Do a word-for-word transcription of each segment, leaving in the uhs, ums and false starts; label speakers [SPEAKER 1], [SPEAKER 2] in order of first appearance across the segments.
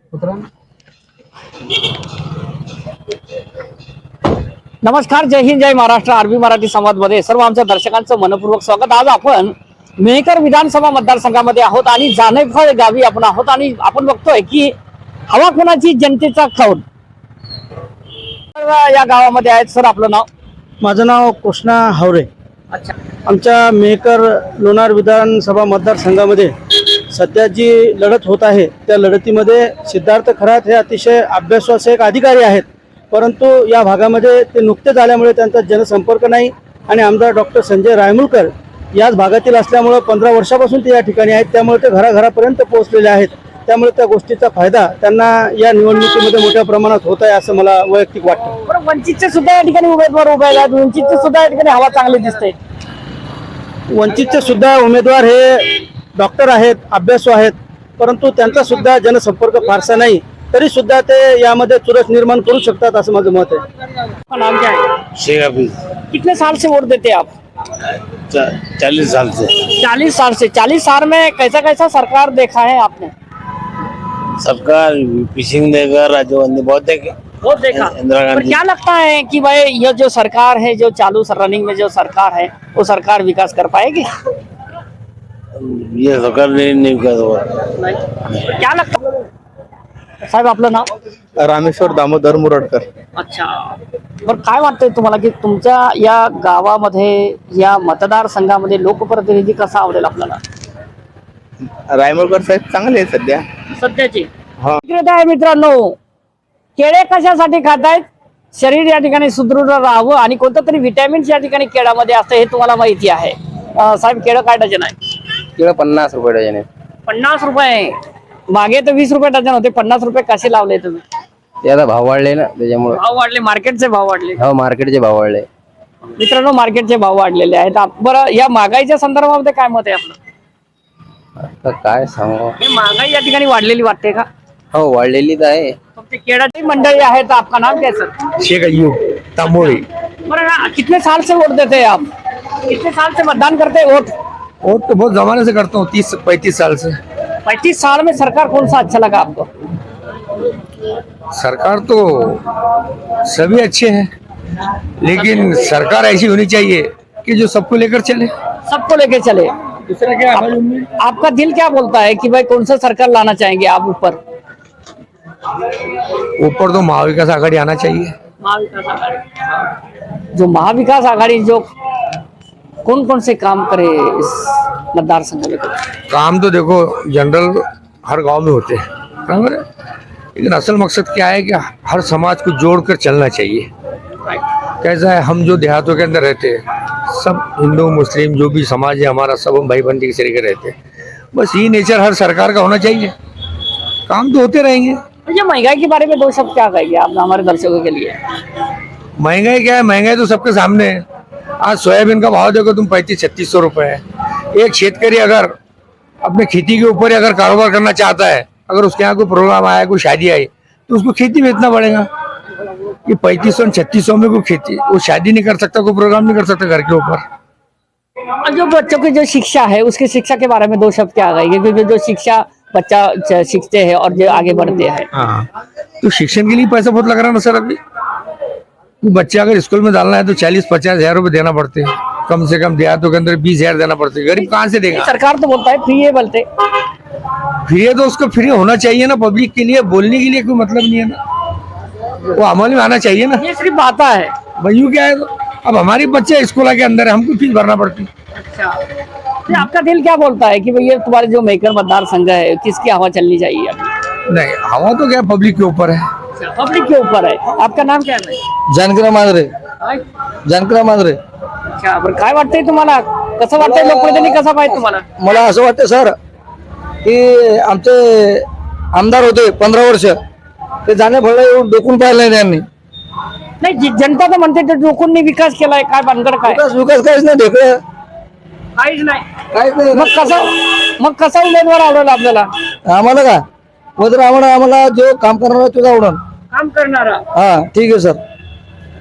[SPEAKER 1] नमस्कार, जय हिंद, जय महाराष्ट्र. आरबी मराठी संवाद मध्ये सर्व आमच्या दर्शकांचं मनपूर्वक स्वागत. आज आपण मेहकर विधानसभा मतदारसंघामध्ये आहोत आणि जानेफळ गावी आपण आहोत आणि आपण बघतोय की हवा कोणाची, जनतेचा कौल. या गावामध्ये आहेत. सर, आपलं नाव?
[SPEAKER 2] माझं नाव कृष्णा हावरे.
[SPEAKER 1] अच्छा.
[SPEAKER 2] आमच्या मेहकर लोणार विधानसभा मतदारसंघामध्ये सध्या जी लढत होत आहे त्या लढतीमध्ये सिद्धार्थ खरात हे अतिशय अभ्यासू असे एक अधिकारी आहेत, परंतु या भागामध्ये ते नुकतेच आल्यामुळे त्यांचा जनसंपर्क नाही आणि आमदार डॉक्टर संजय रायमुलकर याच भागातील असल्यामुळे पंधरा वर्षापासून ते या ठिकाणी आहेत, त्यामुळे ते घराघरापर्यंत पोहोचलेले आहेत. त्यामुळे त्या गोष्टीचा फायदा त्यांना या निवडणुकीमध्ये मोठ्या प्रमाणात होत आहे असं मला वैयक्तिक वाटतं.
[SPEAKER 1] बरं, वंचितचे सुद्धा या ठिकाणी उमेदवार उभे आहेत. वंचितचे सुद्धा या ठिकाणी हवा चांगली दिसते.
[SPEAKER 2] वंचितचे सुद्धा उमेदवार हे डॉक्टर आहेत, अभ्यासू आहेत, परंतु त्यांचा सुद्धा जनसंपर्क फारसा नाही, तरी सुद्धा ते यामध्ये चुरस निर्माण करू शकतात असं माझं मत आहे.
[SPEAKER 1] नाम क्या है?
[SPEAKER 3] शेख हफीज.
[SPEAKER 1] कितने साल से वोट देते हैं आप?
[SPEAKER 3] चालीस साल से.
[SPEAKER 1] चालीस साल से. चालीस साल में कैसा कैसा सरकार देखा है आपने?
[SPEAKER 3] सरकार पिशिंग देकर राजीव गांधी बहुत देखे,
[SPEAKER 1] बहुत देखा.
[SPEAKER 3] इंदिरा
[SPEAKER 1] पर
[SPEAKER 3] गांधी.
[SPEAKER 1] क्या लगता है कि भाई ये जो सरकार है, जो चालू रनिंग में जो सरकार है, वो सरकार विकास कर पाएगी?
[SPEAKER 3] ये सरकार नहीं नहीं कर
[SPEAKER 1] क्या लगता साहेब, आपलं नाव?
[SPEAKER 2] रामेश्वर दामोदर मुरडकर.
[SPEAKER 1] अच्छा. बरं, काय वाटतंय तुम्हाला की तुमच्या या गावामध्ये, या मतदारसंघामध्ये लोकप्रतिनिधी कसा आवडेल आपल्याला?
[SPEAKER 2] रायमुलकर साहेब चांगले आहेत सध्या.
[SPEAKER 1] सध्याची
[SPEAKER 2] हा.
[SPEAKER 1] विक्रेता आहे मित्रांनो. केळे कशासाठी खातायत? शरीर या ठिकाणी सुदृढ राहावं आणि कोणतं तरी व्हिटॅमिन्स या ठिकाणी केळामध्ये असतं हे तुम्हाला माहिती आहे. अं, साहेब, केळं काय डझन आहे?
[SPEAKER 2] केळं पन्नास रुपये डझन आहे.
[SPEAKER 1] पन्नास रुपये. मागे तर वीस रुपये डझन होते, पन्नास रुपये कसे लावले तुम्ही?
[SPEAKER 2] ते आता भाव वाढले ना, त्याच्यामुळे.
[SPEAKER 1] भाव वाढले, मार्केटचे भाव वाढले.
[SPEAKER 2] हो, मार्केटचे भाव वाढले
[SPEAKER 1] मित्रांनो, मार्केटचे भाव वाढलेले आहेत. आप- बरं, या महागाईच्या संदर्भामध्ये काय मत आहे आपलं?
[SPEAKER 2] आता काय सांगू.
[SPEAKER 1] हे महागाई या ठिकाणी वाढलेली वाटते का?
[SPEAKER 2] हो, वाढलेली तर आहे.
[SPEAKER 1] फक्त केळाची मंडळी आहे. तर आपका नाम क्या है सर?
[SPEAKER 2] शेख अय्यूब तांबोळी.
[SPEAKER 1] बरं, कितने साल से वोट देते हैं आप? कितने साल से मतदान करते हैं? वोट
[SPEAKER 2] वोट तो बहुत जमाने से करता हूँ, तीस पैंतीस साल से.
[SPEAKER 1] पैंतीस साल में सरकार कौन सा अच्छा लगा आपको?
[SPEAKER 4] सरकार तो सभी अच्छे हैं, लेकिन सरकार ऐसी होनी चाहिए कि जो सबको लेकर चले.
[SPEAKER 1] सबको लेके चले.
[SPEAKER 4] दूसरा क्या
[SPEAKER 1] आप, आपका दिल क्या बोलता है कि भाई कौन सा सरकार लाना चाहेंगे आप ऊपर?
[SPEAKER 4] ऊपर तो महाविकास आघाड़ी आना चाहिए.
[SPEAKER 1] महाविकास आघाड़ी. जो महाविकास आघाड़ी जो कौन कौन से काम करे इस मतदारसंघ में?
[SPEAKER 4] काम तो देखो जनरल हर गांव में होते हैं, बराबर है, लेकिन असल मकसद क्या है कि हर समाज को जोड़कर चलना चाहिए. कैसा है, हम जो देहातों के अंदर रहते हैं, सब हिंदू मुस्लिम जो भी समाज है हमारा, सब हम भाई बंदी के तरीके रहते हैं. बस ये नेचर हर सरकार का होना चाहिए. काम तो होते रहेंगे.
[SPEAKER 1] ये महंगाई के बारे में दो शब्द क्या कहेंगे आप हमारे दर्शकों के लिए?
[SPEAKER 4] महंगाई क्या है, महंगाई तो सबके सामने है. आज सोयाबीन का भाव देखो तुम, पैंतीस छत्तीस सौ रुपए है. एक शेतकरी अगर अपने खेती के ऊपर अगर कारोबार करना चाहता है, अगर उसके यहाँ कोई प्रोग्राम आया, कोई शादी आई, तो उसको खेती बेचना पड़ेगा. ये पैंतीस सौ छत्तीस सौ में कोई खेती, वो शादी नहीं कर सकता, कोई प्रोग्राम नहीं कर सकता घर के ऊपर.
[SPEAKER 1] और जो बच्चों की जो शिक्षा है, उसकी शिक्षा के बारे में दो शब्द क्या कहेंगे? क्योंकि जो शिक्षा बच्चा च- सीखते हैं और जो आगे बढ़ते हैं.
[SPEAKER 4] हाँ, तो शिक्षण के लिए पैसा बहुत लग रहा है ना सर. अभी तो बच्चे अगर स्कूल में डालना है तो चालीस पचास हजार रुपए देना पड़ते हैं, कम से कम देहातों के अंदर बीस हजार देना पड़ते हैं. गरीब कहाँ से देगा?
[SPEAKER 1] सरकार तो बोलता है फ्री है, बोलते
[SPEAKER 4] फ्री है तो उसको फ्री होना चाहिए ना. पब्लिक के लिए बोलने के लिए कोई मतलब नहीं है ना, वो अमल में आना चाहिए ना.
[SPEAKER 1] ये सिर्फ आता है.
[SPEAKER 4] भैया क्या है, तो अब हमारे बच्चे स्कूल के अंदर है, हमको फीस भरना पड़ती है.
[SPEAKER 1] अच्छा. तो आपका दिल क्या बोलता है कि भैया तुम्हारे जो मेकर मतदार संघ है, किसकी हवा चलनी चाहिए अभी?
[SPEAKER 4] नहीं, हवा तो क्या पब्लिक के ऊपर है.
[SPEAKER 1] पब्लिक के ऊपर है. आपका नाम क्या है?
[SPEAKER 2] जानकरा मांजरे. जानकरा मांजरे.
[SPEAKER 1] अच्छा. बरं, काय वाटतंय तुम्हाला? कसं वाटतंय लोकप्रतिनिधी कसा पाहिजे तुम्हाला?
[SPEAKER 2] मला असं वाटतं सर की आमचे आमदार होते पंधरा वर्ष, ते जाणे फळ येऊन डोकून पाहिलं नाही त्यांनी.
[SPEAKER 1] नाही, जी- जनता तर म्हणते ते लोकांनी विकास केलाय. काय भानगड काय?
[SPEAKER 2] विकास विकास काहीच नाही ढेकळं,
[SPEAKER 1] काहीच नाही.
[SPEAKER 2] काहीच नाही.
[SPEAKER 1] मग कसा मग कसा उमेदवार आवडेल आपल्याला?
[SPEAKER 2] आम्हाला का वगैरे आम्हाला आम्हाला जो काम करणार आहे तुझा आवडून.
[SPEAKER 1] काम करणारा.
[SPEAKER 2] हा, ठीक आहे सर.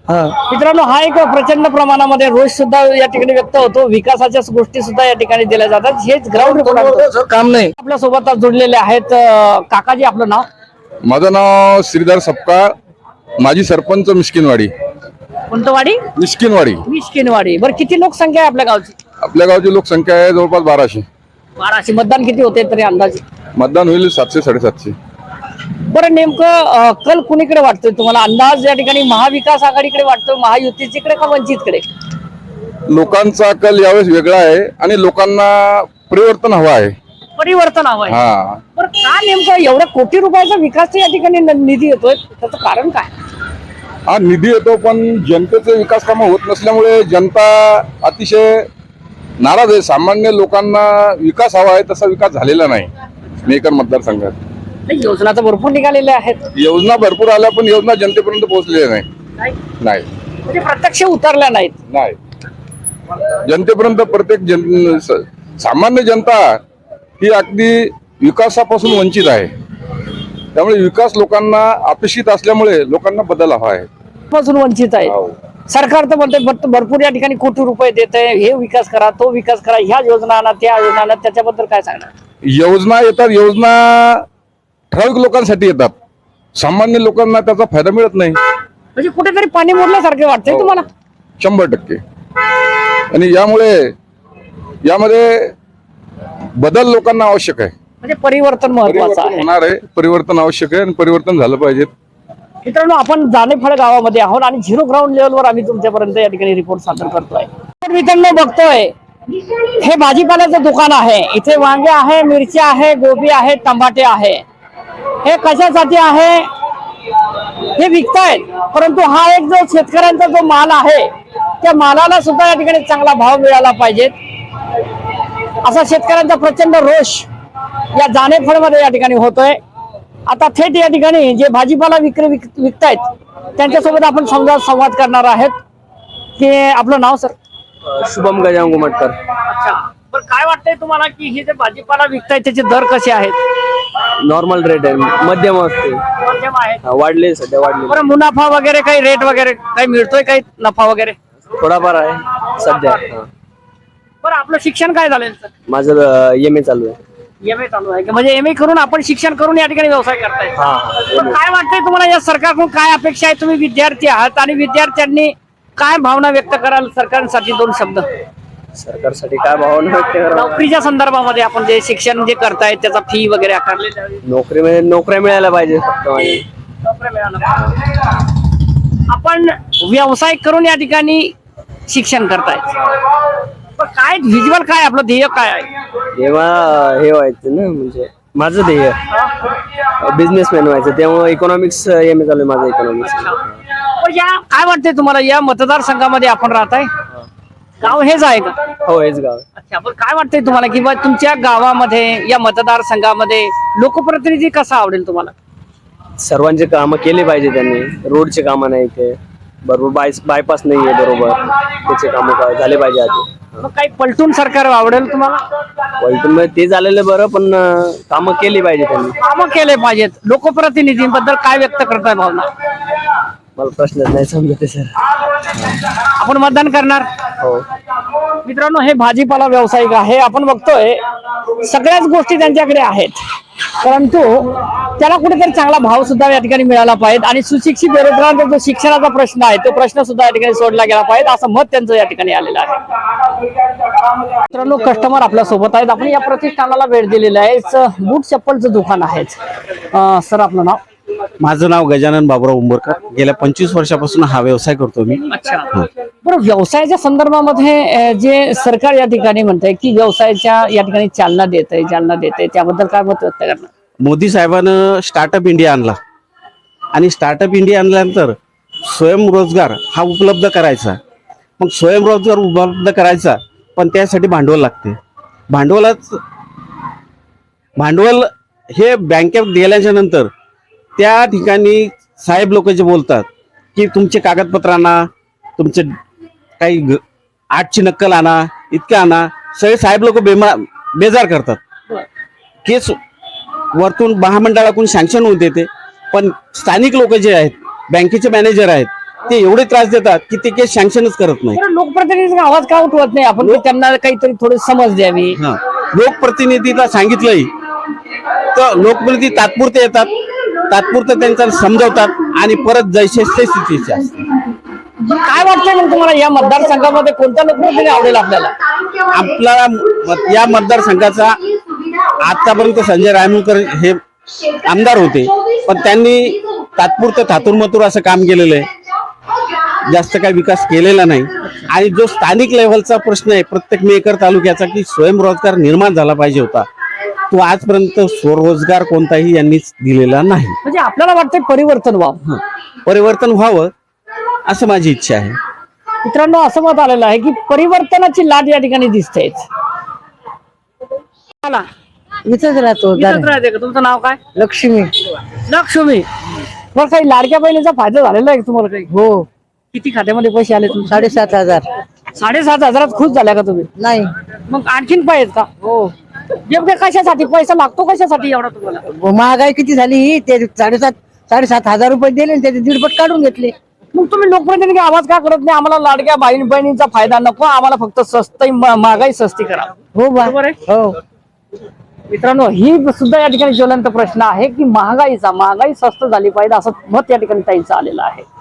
[SPEAKER 2] हा
[SPEAKER 1] मित्रांनो, हा एक प्रचंड प्रमाणामध्ये रोष सुद्धा या ठिकाणी व्यक्त होतो. विकासाच्या गोष्टी सुद्धा या ठिकाणी दिल्या जातात. हेच ग्राउंड रिपोर्ट
[SPEAKER 2] काम नाही.
[SPEAKER 1] आपल्या सोबत आज जोडलेले आहेत. अं, काकाजी, आपलं नाव?
[SPEAKER 5] माझं नाव श्रीधर सपकाळ, माजी सरपंच मिस्किनवाडी.
[SPEAKER 1] कोणतं वाडी?
[SPEAKER 5] मिस्किनवाडी.
[SPEAKER 1] मिष्किनवाडी. बरं, किती लोकसंख्या आहे आपल्या गावची?
[SPEAKER 5] आपल्या गावची लोकसंख्या आहे जवळपास बाराशे.
[SPEAKER 1] बाराशे. मतदान किती होते तरी अंदाजे?
[SPEAKER 5] मतदान होईल सातशे साडेसातशे.
[SPEAKER 1] बरं, नेमकं अं, कल कुणीकडे वाटतोय तुम्हाला? अंदाज या ठिकाणी महाविकास आघाडीकडे वाटतोय, महायुतीकडे का वंचितकडे?
[SPEAKER 5] लोकांचा कल यावेळेस वेगळा आहे आणि लोकांना परिवर्तन हवं आहे.
[SPEAKER 1] परिवर्तन हवं आहे.
[SPEAKER 5] हा,
[SPEAKER 1] बरं, का नेमकं एवढ्या कोटी रुपयाचा विकास या ठिकाणी न- निधी येतोय, त्याचं कारण काय?
[SPEAKER 5] हा निधी येतो पण जनतेचे विकास कामं होत नसल्यामुळे जनता अतिशय नाराज आहे. सामान्य लोकांना विकास हवा आहे तसा विकास झालेला नाही मेकर मतदारसंघात.
[SPEAKER 1] नाही, योजना तर भरपूर निघालेल्या आहेत.
[SPEAKER 5] योजना भरपूर आल्या पण योजना जनतेपर्यंत पोहोचलेल्या नाही.
[SPEAKER 1] नाही,
[SPEAKER 5] नाही
[SPEAKER 1] म्हणजे प्रत्यक्ष उतरल्या नाहीत.
[SPEAKER 5] नाही जनतेपर्यंत प्रत्येक जन स- सामान्य जनता ही अगदी विकासापासून वंचित आहे. त्यामुळे विकास लोकांना अपेक्षित असल्यामुळे लोकांना बदल हवा आहे.
[SPEAKER 1] पासून वंचित आहे.
[SPEAKER 5] हो.
[SPEAKER 1] सरकार तर म्हणते भर- भरपूर या ठिकाणी कोटी रुपये देत आहे, हे विकास करा, तो विकास करा, ह्या योजना आणा, त्या योजना आणा, त्याच्याबद्दल काय सांगणार?
[SPEAKER 5] योजना येतात, योजना ठराविक लोकांसाठी येतात, सामान्य लोकांना त्याचा फायदा मिळत नाही.
[SPEAKER 1] म्हणजे कुठेतरी पाणी मोडल्यासारखे वाटतंय
[SPEAKER 5] हो.
[SPEAKER 1] तुम्हाला?
[SPEAKER 5] शंभर टक्के. आणि यामुळे यामध्ये बदल लोकांना आवश्यक आहे.
[SPEAKER 1] म्हणजे परिवर्तन महत्वाचं
[SPEAKER 5] परिवर्तन
[SPEAKER 1] आहे.
[SPEAKER 5] होणार आहे, परिवर्तन आवश्यक आहे आणि परिवर्तन झालं पाहिजे.
[SPEAKER 1] मित्रांनो, आपण जानेफळ गावामध्ये आहोत आणि झिरो ग्राउंड लेवलवर आम्ही तुमच्यापर्यंत या ठिकाणी रिपोर्ट सादर करतोय. तर मित्रांनो, बघतोय हे भाजीपाल्याचं दुकान आहे. इथे वांगे आहे, मिरची आहे, गोबी आहे, टमाटे आहे. हे कशासाठी आहे? हे विकतायत. परंतु हा एक जो शेतकऱ्यांचा जो माल आहे, त्या मालाला सुद्धा या ठिकाणी चांगला भाव मिळाला पाहिजे, असा शेतकऱ्यांचा प्रचंड रोष या जानेफळमध्ये या ठिकाणी होतोय. आता थेट या ठिकाणी जे भाजीपाला विक्री विक विकतायत त्यांच्यासोबत आपण समजा संवाद करणार आहेत. की आपलं नाव सर?
[SPEAKER 6] शुभम गजाम गुमटकर.
[SPEAKER 1] अच्छा, पण काय वाटतंय तुम्हाला की हे जे भाजीपाला विकतायत त्याचे दर कसे आहेत?
[SPEAKER 6] नॉर्मल रेट आहे, मध्यम असते.
[SPEAKER 1] मध्यम आहेत.
[SPEAKER 6] हा, वाढले सध्या वाढले.
[SPEAKER 1] बरं, मुनाफा वगैरे काही रेट वगैरे काही मिळतोय, काही नफा वगैरे?
[SPEAKER 6] थोडाफार आहे सध्या. हा.
[SPEAKER 1] बरं, आपलं शिक्षण काय झालं सर?
[SPEAKER 6] माझं एम ए चालू आहे.
[SPEAKER 1] एम ए चालू आहे का? म्हणजे एम ए करून आपण शिक्षण करून या ठिकाणी व्यवसाय करताय.
[SPEAKER 6] हा, हा.
[SPEAKER 1] पण काय वाटतंय तुम्हाला या सरकारकडून काय अपेक्षा आहे? तुम्ही विद्यार्थी आहात आणि विद्यार्थ्यांनी काय भावना व्यक्त कराल सरकारसाठी? दोन शब्द
[SPEAKER 6] सरकारसाठी काय भावना व्यक्त करावं?
[SPEAKER 1] नोकरीच्या संदर्भामध्ये आपण जे शिक्षण जे करतायत त्याचा फी वगैरे आकारले जावी.
[SPEAKER 6] नोकरी म्हणजे नोकऱ्या मिळायला पाहिजे फक्त. म्हणजे
[SPEAKER 1] नोकऱ्या मिळाल्या पाहिजे. आपण व्यवसाय करून या ठिकाणी शिक्षण करतायत. पण काय व्हिज्युअल काय आपलं ध्येय काय आहे?
[SPEAKER 6] जेव्हा हे व्हायचं ना, म्हणजे माझं ध्येय बिझनेसमॅन व्हायचं, त्यामुळे इकॉनॉमिक्स एम ए चालू आहे माझं, इकॉनॉमिक्स.
[SPEAKER 1] पण या काय वाटतंय तुम्हाला या मतदारसंघामध्ये आपण राहताय? गाव हेच आहे का?
[SPEAKER 6] हो, हेच गाव आहे.
[SPEAKER 1] अच्छा, पण काय वाटतंय तुम्हाला की बा तुमच्या गावामध्ये या मतदारसंघामध्ये लोकप्रतिनिधी कसा आवडेल तुम्हाला?
[SPEAKER 6] सर्वांचे कामं केले पाहिजे त्यांनी. रोडचे कामं नाही ते बरोबर, बाय बायपास नाही आहे बरोबर, त्याचे कामं झाले पाहिजे आधी.
[SPEAKER 1] मग काही पलटून सरकार आवडेल तुम्हाला?
[SPEAKER 6] पलटून मध्ये ते झालेलं बरं, पण कामं केली पाहिजे त्यांनी.
[SPEAKER 1] कामं केले पाहिजेत. लोकप्रतिनिधींबद्दल काय व्यक्त करताय भावना?
[SPEAKER 6] मला प्रश्नच नाही समजत सर.
[SPEAKER 1] आपण मतदान करणार?
[SPEAKER 6] हो.
[SPEAKER 1] मित्रांनो, हे भाजीपाला व्यावसायिक आहे. आपण बघतोय सगळ्याच गोष्टी त्यांच्याकडे आहेत, परंतु त्याला कुठेतरी चांगला भाव सुद्धा या ठिकाणी मिळाला पाहिजे आणि सुशिक्षित बेरोजगारांचा जो शिक्षणाचा प्रश्न आहे तो प्रश्न सुद्धा या ठिकाणी सोडला गेला पाहिजे, असं मत त्यांचं या ठिकाणी आलेलं आहे. मित्रांनो, कस्टमर आपल्या सोबत आहेत. आपण या प्रतिष्ठानाला भेट दिलेली आहे. बूट चप्पलचं दुकान आहे. अं, सर, आपलं नाव?
[SPEAKER 2] माझं नाव गजानन बाबुराव उंबरकर. गेल्या पंचवीस वर्षापासून हा व्यवसाय करतो मी.
[SPEAKER 1] अच्छा, बरं, व्यवसायाच्या संदर्भामध्ये अं, जे सरकार या ठिकाणी म्हणतंय की व्यवसायाच्या या ठिकाणी चालना देत आहे चालना देत आहे त्याबद्दल काय मत व्यक्त करणार?
[SPEAKER 2] मोदी साहेबांनं स्टार्टअप इंडिया आणला आणि स्टार्टअप इंडिया आणल्यानंतर स्वयंरोजगार हा उपलब्ध करायचा. मग स्वयंरोजगार उपलब्ध करायचा, पण त्यासाठी भांडवल लागते. भांडवलाच भांडवल हे बँकेत गेल्याच्या नंतर त्या ठिकाणी साहेब लोक जे बोलतात की तुमचे कागदपत्र आणा, तुमचे काही ग- आठची नक्कल आणा, इतकं आणा, सगळे साहेब लोक बेमा बेजार करतात. केस वरतून महामंडळाकडून सँक्शन होत येते, पण स्थानिक लोक जे आहेत, बँकेचे मॅनेजर आहेत, ते एवढे त्रास देतात की ते केस सँक्शनच करत नाही.
[SPEAKER 1] बरं, लोकप्रतिनिधीचा आवाज का उठवत नाही आपण की त्यांना काहीतरी थोडी समज द्यावी?
[SPEAKER 2] हा, लोकप्रतिनिधीला सांगितलंही तर लोकप्रतिनिधी तात्पुरते येतात, तात्पुरतं त्यांचा समजावतात आणि परत जैसे ते स्थितीचे असतात.
[SPEAKER 1] काय वाटतंय मग तुम्हाला या मतदारसंघामध्ये कोणता लोकप्रतिनिधी आवडेल आपल्याला?
[SPEAKER 2] आपल्याला म- या मतदारसंघाचा आतापर्यंत संजय रायमुलकर हे आमदार होते, पण त्यांनी तात्पुरतं थातुरमतुर असं काम केलेलं आहे, जास्त काही विकास केलेला नाही. आणि जो स्थानिक लेव्हलचा प्रश्न आहे प्रत्येक मेकर तालुक्याचा की स्वयंरोजगार निर्माण झाला पाहिजे होता, तो आजपर्यंत स्वरोजगार कोणताही यांनीच दिलेला नाही.
[SPEAKER 1] म्हणजे आपल्याला वाटतंय परिवर्तन व्हावं.
[SPEAKER 2] परिवर्तन व्हावं असं माझी इच्छा आहे.
[SPEAKER 1] मित्रांनो, असं मत आलेलं आहे की परिवर्तनाची लाट या ठिकाणी दिसते.
[SPEAKER 7] इथंच राहतो
[SPEAKER 1] तुमचं नाव काय?
[SPEAKER 7] लक्ष्मी.
[SPEAKER 1] लक्ष्मी. बरं, काही लाडक्या बहिणीचा फायदा झालेला आहे का तुम्हाला? काही
[SPEAKER 7] हो,
[SPEAKER 1] किती खात्यामध्ये पैसे आले तुमचे?
[SPEAKER 7] साडेसात हजार.
[SPEAKER 1] साडेसात हजारात खुश झाल्या का तुम्ही?
[SPEAKER 7] नाही.
[SPEAKER 1] मग आणखीन पाहिजेत का?
[SPEAKER 7] हो,
[SPEAKER 1] नेमके कशासाठी पैसा लागतो, कशासाठी एवढा तुम्हाला?
[SPEAKER 7] महागाई किती झाली, ते साडेसात साडेसात हजार रुपये दिले आणि त्याचे दीडपट काढून घेतले.
[SPEAKER 1] मग तुम्ही लोकप्रतिनिधी आवाज का करत नाही? आम्हाला लाडक्या बहीण बहिणींचा फायदा नको, आम्हाला फक्त स्वस्त महागाई सस्ती करा.
[SPEAKER 7] हो बा.
[SPEAKER 1] बरोबर आहे.
[SPEAKER 7] हो,
[SPEAKER 1] मित्रांनो, ही सुद्धा या ठिकाणी ज्वलंत प्रश्न आहे की महागाईचा महागाई स्वस्त झाली पाहिजे असं मत या ठिकाणी ताईंचं आलेलं आहे.